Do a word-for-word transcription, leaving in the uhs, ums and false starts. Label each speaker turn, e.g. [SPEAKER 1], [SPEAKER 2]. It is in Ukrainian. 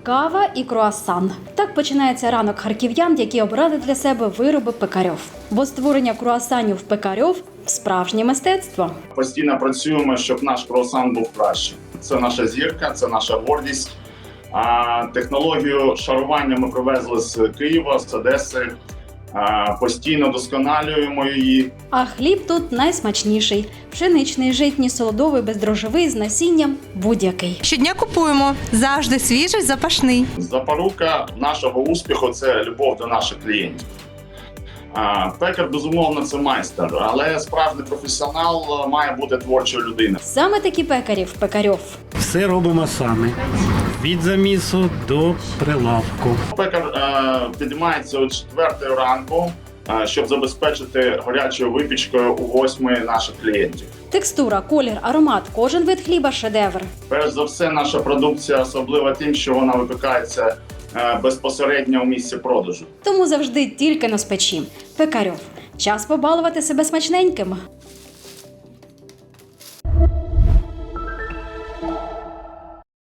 [SPEAKER 1] кава і круасан. Так починається ранок харків'ян, які обрали для себе вироби Пекарьов. Бо створення круасанів Пекарьов – справжнє мистецтво.
[SPEAKER 2] Постійно працюємо, щоб наш круасан був кращий. Це наша зірка, це наша гордість. А технологію шарування ми привезли з Києва, з Одеси. А, постійно досконалюємо її.
[SPEAKER 1] А хліб тут найсмачніший – пшеничний, житній, солодовий, бездрожжевий, з насінням – будь-який.
[SPEAKER 3] Щодня купуємо, завжди свіжий, запашний.
[SPEAKER 2] Запорука нашого успіху – це любов до наших клієнтів. А, пекар, безумовно, це майстер, але справжній професіонал має бути творчою людиною.
[SPEAKER 1] Саме такі пекарі в Пекарьов.
[SPEAKER 4] Все робимо самі. Від замісу до прилавку.
[SPEAKER 2] Пекар е, підіймається о четвертій ранку, е, щоб забезпечити гарячою випічкою у восьми наших клієнтів.
[SPEAKER 1] Текстура, колір, аромат – кожен вид хліба – шедевр.
[SPEAKER 2] Перш за все, наша продукція особлива тим, що вона випікається е, безпосередньо у місці продажу.
[SPEAKER 1] Тому завжди тільки на спечі. Пекарьов. Час побалувати себе смачненьким.